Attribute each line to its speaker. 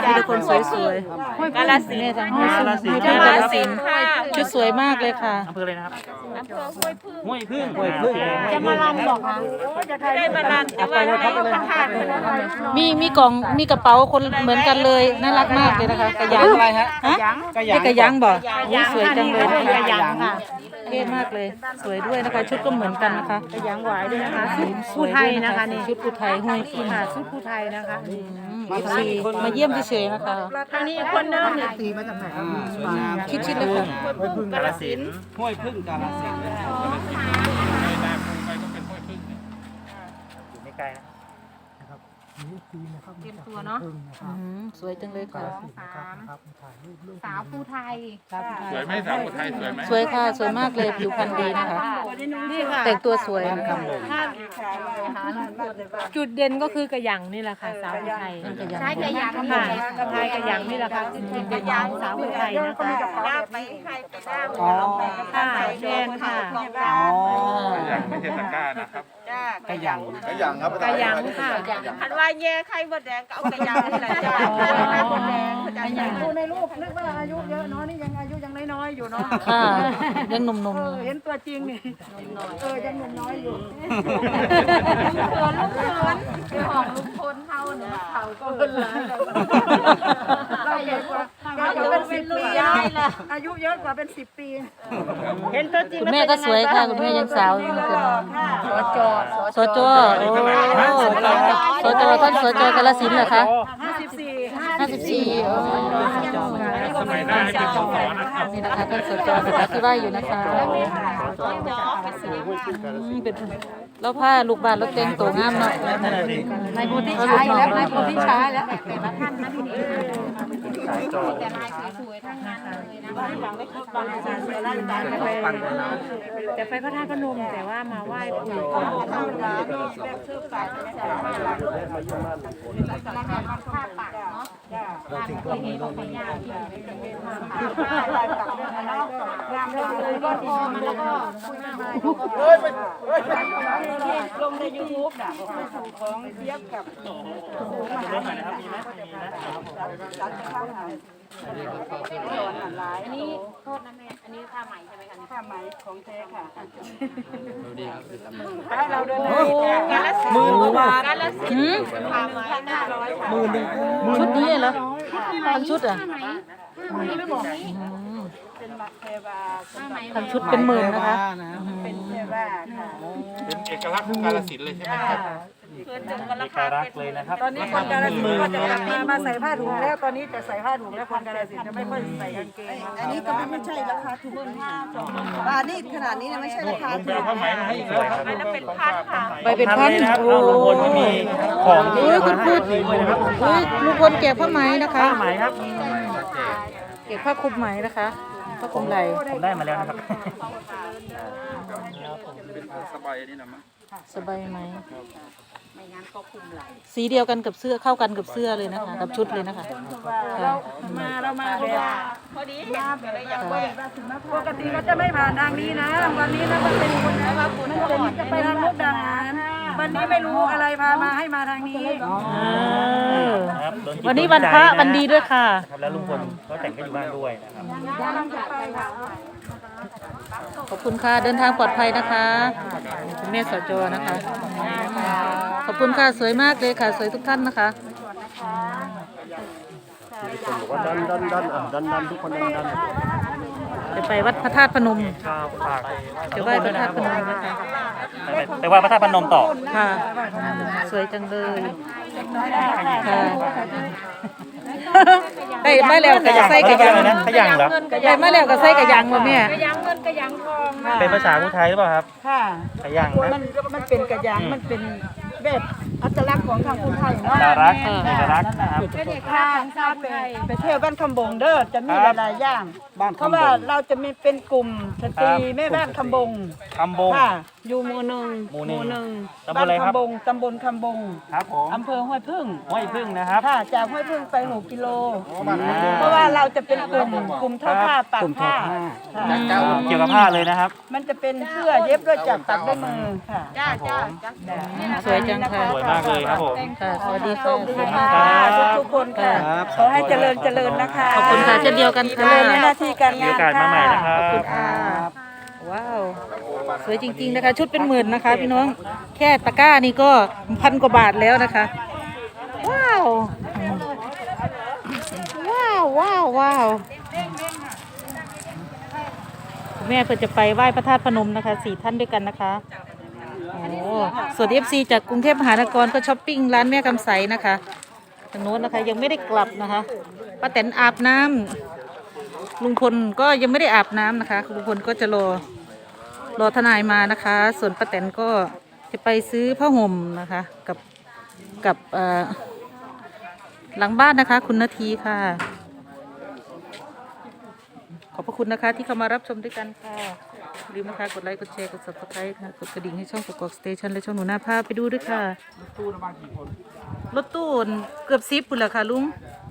Speaker 1: มีแต่คนสวยๆกาฬสินธุ์ทางห้วยกาฬสินธุ์ชุดสวยมากเลยค่ะ
Speaker 2: อำเภออะไรนะครับ
Speaker 3: อำเภอห้วยพึ่ง
Speaker 2: ห้วยพึ่ง
Speaker 3: จะมาลำบอกคะได้มาลำแต่ว่าในพระธาตุ
Speaker 1: มีกล่องมีกระเป๋าคนเหมือนกันเลยน่ารักมากเลยนะคะกระยังอะไรฮะกระยังบอกสวยจังเลยกระยังค่ะเท่มากเลยสวยด้วยนะคะชุดก็เหมือนกันนะคะ
Speaker 3: กระยังหวายด้วยนะคะชุด
Speaker 1: ผู้ไทยนะคะนี่ชุดผู้ไทยห้วยพึ่ง
Speaker 3: ค่ะชุดผู้ไทยนะคะ
Speaker 1: มาเยี่ยมเฉยๆนะคะ
Speaker 3: ทางนี้คนเดิมเนี่ย
Speaker 1: ชิดๆเลยค่ะ
Speaker 2: ห้วยพึ่งกาฬสินธุ์ห้วยพึ่งกาฬสินธุ์อยู่ไม่ไกลนะ
Speaker 3: เตรียมตัวเนาะ
Speaker 1: สวยจังเลยค่ะ
Speaker 3: สาวผู้ไทย
Speaker 4: สวยไหมสาวคนไทยสวยไหม
Speaker 1: สวยค่ะสวยมากเลยผิวพรรณดีนะคะแต่งตัวสวยนะคะ
Speaker 3: จุดเด่นก็คือกระยังนี่แหละค่ะสาวผู้ไทยใช้กระยังค่ะกระไทยกระยังนี่แหละค่ะจุดเด่นของสาวผู้ไทยนะคะลากไปใครไปลากค่ะแดงค่ะ
Speaker 4: อย่างไม่ใช่ตะกร้านะครับ
Speaker 2: กระยัง
Speaker 4: กระยังครับ
Speaker 3: กระยังค่ะคันว่าแย่ไข่บดแดงก็เอากระยังนี่แหละจ้าไข่บดแดงกระยังดูในรูปนึกว่าอายุเยอะเนาะนี่ยังอายุยังน้อยๆอยู่เนาะ
Speaker 1: ค่ะยังหนุ่มๆ
Speaker 3: เห็นตัวจริงนี่ยังหนุ่มน้อยอยู่ลูกเขินของลูกคนเท่าเนี่ยเขาก็เป็นหลายเราเยอะกว่าเราเป็น10 ปีอายุเยอะกว่าเป็น10 ปีเห็นตัวจริง
Speaker 1: คุณแม่ก็สวยค่ะคุณแม่ยังสาวอยู่เลยสจโอ้สจท่านสจกาฬสินธุ์เหรอคะ54โอ้
Speaker 4: สมัยหน้าให้เป็นสสนะครับ
Speaker 1: นี่นะคะท่านสจสถาที่ว่าอยู่นะคะเป็นแล้วผ้าลูกบาศก์รถเต็งตัวงามเนาะนายโพธิชัยแล้วนายโพธิชัยแล้ว
Speaker 3: แต่ละท่านนะทีนี้แต่ลายสวยๆทั้งนั้นเลยนะแต่ไปพระธาตุพนมแต่ว่ามาไหว้ปู่ก่อนลงในยูทูบน่ะของเทียบกับอันนี้โทษนะแม่อันนี้ผ้าไหมใช่ไหมคะผ้าไหมของแท้ค่ะเราเดินการละ10,000ผ้าไหม
Speaker 1: ชุดนี้เหรอทั้งชุดอ่ะทั้งชุดเป็นหมื่นนะคะ
Speaker 3: เป็นเทวาค่ะ
Speaker 4: เป็นเอกลักษณ์ของกาฬสินธุ์เลยใช่ไหมครับ
Speaker 2: เลยนะครับ
Speaker 3: ตอนนี้คนกาฬสินธุ์ก็จะมาใส่ผ้าถุงแล้วตอนนี้จะใส่ผ้าถุงแล้วคนกาฬสินธุ์จะไม่ค่อยใส่กางเกง
Speaker 5: อันนี้ก็ไม่ใช่ราคาถูกบาทนี่ขนาดนี้นะไม่ใช่ราคา
Speaker 4: ผมไปเอาผ้าไหมมาให้อีกแล้วครับ
Speaker 3: แล้วเป็นพันค่ะ
Speaker 1: ใบเป็นพัน
Speaker 2: โอ้ลุงพลก็มีของ
Speaker 1: โอ้ยคุณพูดโอ้ยลุงพลแจกผ้าไหมนะคะ
Speaker 2: ผ้าไหมครับ
Speaker 1: เก็บผ้าคลุมไหมนะคะผ้าคลุมไหล่
Speaker 2: ผมได้มาแล้วนะครับ
Speaker 4: เป็นสบายนี่นะมั้ง
Speaker 1: สบายไหมสีเดียวกันกับเสื้อเข้ากันกับเสื้อเลยนะคะกับชุดเลยนะคะ
Speaker 3: เรามาแบบพอดีมาแบบอย่างว่าปกติก็จะไม่ผ่านทางนี้นะวันนี้นะมันเป็นคนนะว่าคุณจะไปทางมุกดาหารวันนี้ไม่รู้อะไรพามาให้มาทางนี้
Speaker 1: วันนี้วันพระวันดีด้วยค่ะ
Speaker 2: ครับแล้วลุงพลก็แต่งก็อยู่บ้านด้วยนะครับ
Speaker 1: ขอบคุณค่ะเดินทางปลอดภัยนะคะคุณแม่สจนะคะขอบคุณค่ะสวยมากเลยค่ะสวยทุกท่านนะคะ
Speaker 6: บอกว่าดันทุกคนดัน
Speaker 1: จะไปวัดพระธาตุพนม
Speaker 2: ฝาก
Speaker 1: จะไหว้พระธาตุพนมนะคะ
Speaker 2: ไปไหว้พระธาตุพนมต่อ
Speaker 1: ค่ะสวยจังเลยค่ะได้มาแล้วก็ใส่กระยัง
Speaker 2: นะขยังเหรอ
Speaker 1: ได้มาแล้วก็ใส่กระยังบ่แม่
Speaker 3: กระยังเงินกระยังทองนะ
Speaker 2: เป็นภาษาผู้ไทยหรือเปล่าครับ
Speaker 3: ค่ะ
Speaker 2: ขยังนะ
Speaker 3: มันเป็นกระยังมันเป็นแบบอัตลักษณ์ของทางคนไทยเนาะ
Speaker 2: น่ารักน่ารักนะครับ
Speaker 3: เป็นเอกลักษณ์ของชาติไปเที่ยวบ้านคำบงเด้อจะมีหลายๆอย่างเพราะว่าเราจะมีเป็นกลุ่มสตรีแม่บ้านคำบง
Speaker 2: คำบง
Speaker 3: ค่ะอยู่หมู่หนึ่ง
Speaker 2: ตำบลอะไรครับ
Speaker 3: ตำบลคำบง
Speaker 2: ครับผม
Speaker 3: อำเภอห้วยพึ่ง
Speaker 2: ห้วยพึ่งนะครับ
Speaker 3: ค่ะจากห้วยพึ่งไป6 กิโลเพราะว่าเราจะเป็นกลุ่มทอผ้าปักผ้าค่ะ
Speaker 2: เกี่ยวกับผ้าเลยนะครับ
Speaker 3: มันจะเป็นเสื้อเย็บด้วยจากปักด้วยมือค่ะจ้า
Speaker 1: สวยจังค่ะ
Speaker 2: สวยมากเลยครับผม
Speaker 1: ค่ะสวัสดีค่ะ
Speaker 3: สวัสดีค่ะทุกๆคนคนค่ะขอให้เจริญนะคะ
Speaker 1: ขอบคุณค่ะเช่นเดียวกัน
Speaker 3: เจ
Speaker 1: ค่ะ
Speaker 3: ริญในหน้าที่การ
Speaker 2: มี
Speaker 3: งา
Speaker 2: โอน กาสมาใหม่นะค
Speaker 3: ค่ะ
Speaker 2: รับ
Speaker 1: ขอบคุณค่ะว้าวสวยจริงๆนะคะ ชุดเป็นหมื่นนะคะ พี่น้องแค่ตะกร้านี่ก็พันกว่าบาทแล้วนะคะว้าวว้าวคุณแม่เพื่อจะไปไหว้พระธาตุพนมนะคะ4 ท่านด้วยกันนะคะโอ้ส่วน FC จากกรุงเทพมหานครก็ช้อปปิ้งร้านแม่กำใสนะคะทางโน้นนะคะยังไม่ได้กลับนะคะป้าแตนอาบน้ำลุงพลก็ยังไม่ได้อาบน้ำนะคะลุงพลก็จะรอทนายมานะคะ ส่วนป้าแตนก็จะไปซื้อผ้าห่มนะคะกับหลังบ้านนะคะ คุณนาทีค่ะ ขอบพระคุณนะคะที่เข้ามารับชมด้วยกันค่ะอย่าลืมนะคะกดไลค์กดแชร์กด subscribe ค่ะกดกระดิ่งให้ช่องกกอกสเตชันและช่องหนูหน้าภาพไปดูด้วยค่ะรถตู้เกือบ10 ปุ่นแหละค่ะลุง
Speaker 3: ร